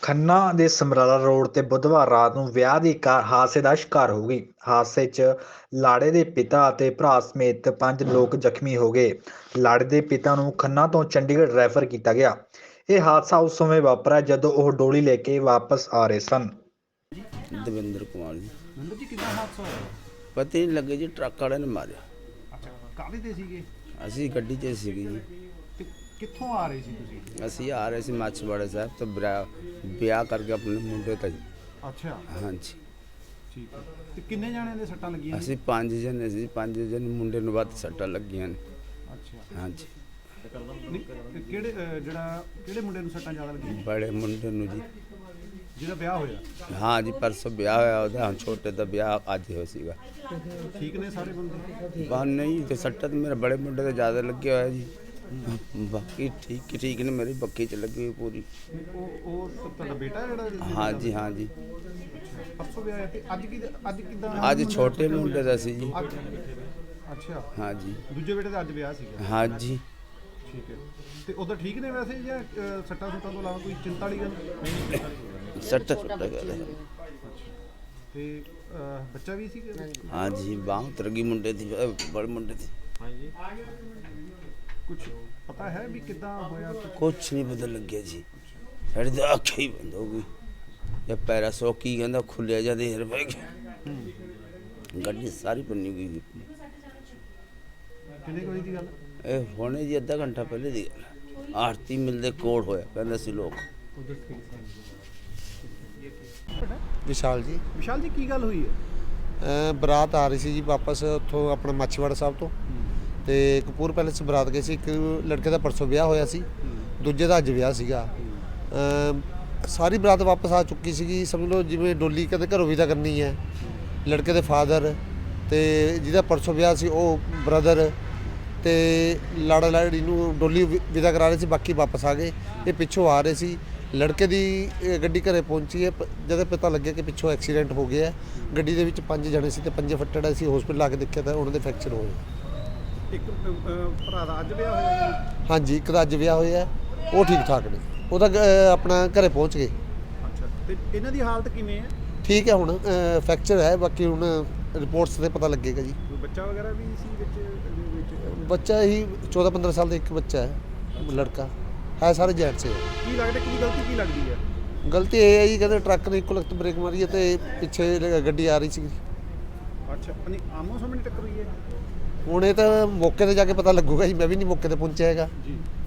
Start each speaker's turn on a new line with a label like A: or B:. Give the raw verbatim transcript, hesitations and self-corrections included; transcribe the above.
A: ਖੰਨਾ ਦੇ ਸਮਰਾਲਾ ਰੋਡ ਤੇ ਬੁੱਧਵਾਰ ਰਾਤ ਨੂੰ ਵਿਆਹ ਦੀ ਕਾਰ ਹਾਦਸੇ ਦਾ ਸ਼ਿਕਾਰ ਹੋ ਗਈ। ਹਾਦਸੇ 'ਚ ਲਾੜੇ ਦੇ ਪਿਤਾ ਅਤੇ ਭਰਾ ਸਮੇਤ ਪੰਜ ਲੋਕ ਜ਼ਖਮੀ ਹੋ ਗਏ। ਲਾੜੇ ਦੇ ਪਿਤਾ ਨੂੰ ਖੰਨਾ ਤੋਂ ਚੰਡੀਗੜ੍ਹ ਰੈਫਰ ਕੀਤਾ ਗਿਆ। ਇਹ ਹਾਦਸਾ ਉਸ ਸਮੇਂ ਵਾਪਰਿਆ ਜਦੋਂ ਉਹ ਡੋਲੀ ਲੈ ਕੇ ਵਾਪਸ ਆ ਰਹੇ ਸਨ।
B: ਦਵਿੰਦਰ ਕੁਮਾਰ ਜੀ।
C: ਨੰਦਰ ਜੀ ਕਿੰਨਾ ਹਾਦਸਾ ਹੋਇਆ?
B: ਪਤਾ ਹੀ ਨਹੀਂ ਲੱਗੇ ਜੀ, ਟਰੱਕ ਵਾਲੇ ਨੇ ਮਾਰਿਆ।
C: ਅੱਛਾ, ਕਾਹਦੇ ਤੇ ਸੀਗੇ
B: ਅਸੀਂ ਗੱਡੀ 'ਚ ਸੀਗੇ ਜੀ।
C: ਤੇ ਕਿੱਥੋਂ ਆ ਰਹੇ ਸੀ ਤੁਸੀਂ?
B: ਅਸੀਂ ਆ ਰਹੇ ਸੀ ਮਾਛੀਵਾੜਾ ਸਾਹਿਬ ਤੋਂ ਵਿਆਹ ਵਿਆਹ ਕਰਕੇ ਆਪਣੇ ਮੁੰਡੇ ਦਾ ਜੀ।
C: ਅੱਛਾ,
B: ਹਾਂਜੀ,
C: ਠੀਕ ਹੈ। ਤੇ ਕਿੰਨੇ ਜਾਣਿਆਂ ਦੇ ਸੱਟਾਂ ਲੱਗੀਆਂ ਨੇ?
B: ਅਸੀਂ ਪੰਜ ਜਣੇ ਸੀ। ਪੰਜ ਜਣੇ ਮੁੰਡੇ ਨੂੰ ਵੱਧ ਸੱਟਾਂ ਲੱਗੀਆਂ ਨੇ।
C: ਅੱਛਾ,
B: ਹਾਂਜੀ,
C: ਨਹੀਂ, ਤੇ ਕਿਹੜੇ ਅਹ, ਜਿਹੜਾ ਕਿਹੜੇ ਮੁੰਡੇ ਨੂੰ ਸੱਟਾਂ ਜ਼ਿਆਦਾ ਲੱਗੀਆਂ?
B: ਬੜੇ ਮੁੰਡੇ ਨੂੰ ਜੀ।
C: ਜਿਹਦਾ ਵਿਆਹ ਹੋਇਆ?
B: ਹਾਂ ਜੀ, ਪਰਸੋਂ ਵਿਆਹ ਹੋਇਆ ਉਹਦਾ। ਹੁਣ ਛੋਟੇ ਦਾ ਵਿਆਹ ਅੱਜ ਹੋਇਆ ਸੀਗਾ।
C: ਠੀਕ ਨੇ ਸਾਰੇ ਬੰਦੇ?
B: ਬਾਹਰ ਨਹੀਂ ਤੇ ਸੱਟਾਂ ਤਾਂ ਮੇਰੇ ਬੜੇ ਮੁੰਡੇ ਤੇ ਜ਼ਿਆਦਾ ਲੱਗਿਆ ਹੋਇਆ ਜੀ। ਬਾਕੀ ਠੀਕ ਠੀਕ ਨੇ, ਮੇਰੀ ਬੱਕੀ 'ਚ ਲੱਗੀ ਹੋਈ ਪੂਰੀ।
C: ਉਹ ਉਹ ਤਾਂ ਤੁਹਾਡਾ ਬੇਟਾ ਜਿਹੜਾ ਜਿਹਦੇ
B: ਹਾਂ
C: ਨਾਲ-
B: ਜੀ, ਹਾਂ ਜੀ।
C: ਪਰਸੋਂ ਵਿਆਹ ਹੈ ਤੇ ਅੱਜ ਕੀ ਅੱਜ ਕਿਦਾਂ?
B: ਅੱਜ ਛੋਟੇ ਮੁੰਡੇ ਦਾ ਸੀ ਜੀ।
C: ਅੱਛਾ,
B: ਹਾਂ ਜੀ,
C: ਦੂਜੇ ਬੇਟੇ ਦਾ ਅੱਜ ਵਿਆਹ ਸੀਗਾ?
B: ਹਾਂ ਜੀ।
C: ਠੀਕ ਹੈ। ਤੇ ਉਧਰ ਠੀਕ ਨੇ ਵੈਸੇ ਜਾਂ ਅਹ, ਸੱਟਾਂ ਸੁੱਟਾਂ ਤੋਂ ਇਲਾਵਾ ਕੋਈ ਚਿੰਤਾ ਵਾਲੀ ਗੱਲ?
B: ਸੱਟਾ ਸੁੱਟਾ ਗਿਆ।
C: ਤੇ ਅਹ, ਬੱਚਾ ਵੀ ਸੀਗਾ?
B: हाँ जी, बाँह उतर गई मुंडे थी, बड़े मुंडे थी।
C: ਕੁਝ ਪਤਾ ਹੈ ਵੀ ਕਿੱਦਾਂ ਹੋਇਆ?
B: कुछ नहीं पता लग गया जी। साढ़े तो अख ही बंद हो गई। जब पैरा सौ की कहता खुलिया जा देर पै गई। गड्डी सारी बनी गई।
C: ਕਿੰਨੇ ਕੋਈ ਦੀ ਗੱਲ?
B: ए होने जी अद्धा घंटा पहले दी गल। आरती मिलते कोड़ होया कहते सी लोग।
D: ਵਿਸ਼ਾਲ ਜੀ।
C: ਵਿਸ਼ਾਲ ਜੀ ਕੀ ਗੱਲ ਹੋਈ ਹੈ?
D: ਅ, ਬਰਾਤ ਆ ਰਹੀ ਸੀ ਜੀ ਵਾਪਸ ਉੱਥੋਂ ਆਪਣਾ ਮਾਛੀਵਾੜਾ ਸਾਹਿਬ ਤੋਂ, ਤੇ ਕਪੂਰ ਪੈਲੇਸ ਬਰਾਤ ਗਏ ਸੀ। ਇੱਕ ਲੜਕੇ ਦਾ ਪਰਸੋਂ ਵਿਆਹ ਹੋਇਆ ਸੀ, ਦੂਜੇ ਦਾ ਅੱਜ ਵਿਆਹ ਸੀਗਾ। ਅ, ਸਾਰੀ ਬਰਾਤ ਵਾਪਸ ਆ ਚੁੱਕੀ ਸੀਗੀ। ਸਮਝ ਲਓ ਜਿਵੇਂ ਡੋਲੀ ਕਦੇ ਘਰੋਂ ਵਿਦਾ ਕਰਨੀ ਹੈ। ਲੜਕੇ ਦੇ ਫਾਦਰ ਤੇ ਜਿਹਦਾ ਪਰਸੋਂ ਵਿਆਹ ਸੀ ਉਹ ਬ੍ਰਦਰ ਤੇ ਲਾੜਾ ਲਾੜੀ ਨੂੰ ਡੋਲੀ ਵਿ- ਵਿਦਾ ਕਰਾ ਰਹੇ ਸੀ। ਬਾਕੀ ਵਾਪਸ ਆ ਗਏ। ਇਹ ਪਿੱਛੋਂ ਆ ਰਹੇ ਸੀ। ਲੜਕੇ ਦੀ ਇਹ ਗੱਡੀ ਘਰੇ ਪਹੁੰਚੀ ਹੈ। ਪ- ਜਦੋਂ ਪਤਾ ਲੱਗਿਆ ਕਿ ਪਿੱਛੋਂ ਐਕਸੀਡੈਂਟ ਹੋ ਗਿਆ। ਗੱਡੀ ਦੇ ਵਿੱਚ ਪੰਜ ਜਣੇ ਸੀ ਤੇ ਪੰਜੇ ਫੱਟੜ ਸੀ। ਹਸਪੀਟਲ ਆ ਕੇ ਦੇਖਿਆ ਤਾਂ ਉਹਨਾਂ ਦੇ ਫ੍ਰੈਕਚਰ ਹੋਏ।
C: ਇੱਕ ਅਹ, ਭਰਾ ਦਾ ਅੱਜ ਵਿਆਹ ਹੋਇਆ ਜੀ?
D: ਹਾਂਜੀ, ਇੱਕ ਦਾ ਅੱਜ ਵਿਆਹ ਹੋਇਆ, ਉਹ ਠੀਕ ਠਾਕ ਨੇ। ਉਹਦਾ ਅ, ਆਪਣਾ ਘਰੇ ਪਹੁੰਚ ਗਏ।
C: ਅੱਛਾ, ਤੇ ਇਹਨਾਂ ਦੀ ਹਾਲਤ ਕਿਵੇਂ ਹੈ?
D: ਠੀਕ ਹੈ, ਹੁਣ ਫ੍ਰੈਕਚਰ ਹੈ। ਬਾਕੀ ਹੁਣ ਰਿਪੋਰਟਸ ਤੇ ਪਤਾ ਲੱਗੇਗਾ ਜੀ।
C: ਕੋਈ ਬੱਚਾ ਵਗੈਰਾ ਵੀ ਸੀ ਵਿੱਚ ਇਹਦੇ ਵਿੱਚ?
D: ਬੱਚਾ ਹੀ ਚੌਦਾਂ ਪੰਦਰਾਂ ਸਾਲ ਦਾ ਇੱਕ ਬੱਚਾ ਹੈ, ਲੜਕਾ ਹੈ। ਸਾਰੇ ਜੈਂਟਸ ਹੈ।
C: ਕੀ ਲੱਗਦਾ ਕੀ ਗਲਤੀ ਕੀ ਲੱਗਦੀ ਹੈ?
D: ਗਲਤੀ ਇਹ ਹੈ ਜੀ, ਕਹਿੰਦੇ ਟਰੱਕ ਨੇ ਇੱਕੋ ਲਖਤ ਬ੍ਰੇਕ ਮਾਰੀ ਹੈ ਤੇ ਪਿੱਛੇ ਗੱਡੀ ਆ ਰਹੀ ਸੀ।
C: ਅੱਛਾ, ਨਹੀਂ ਆਮੋ ਸਾਹਮਣੇ ਟੱਕਰ ਹੋਈ ਹੈ?
D: ਹੁਣ ਇਹ ਤਾਂ ਮੌਕੇ ਤੇ ਜਾ ਕੇ ਪਤਾ ਲੱਗੂਗਾ ਜੀ। ਮੈਂ ਵੀ ਨਹੀਂ ਮੌਕੇ ਤੇ ਪਹੁੰਚਿਆ ਹੈਗਾ।
C: ਜੀ।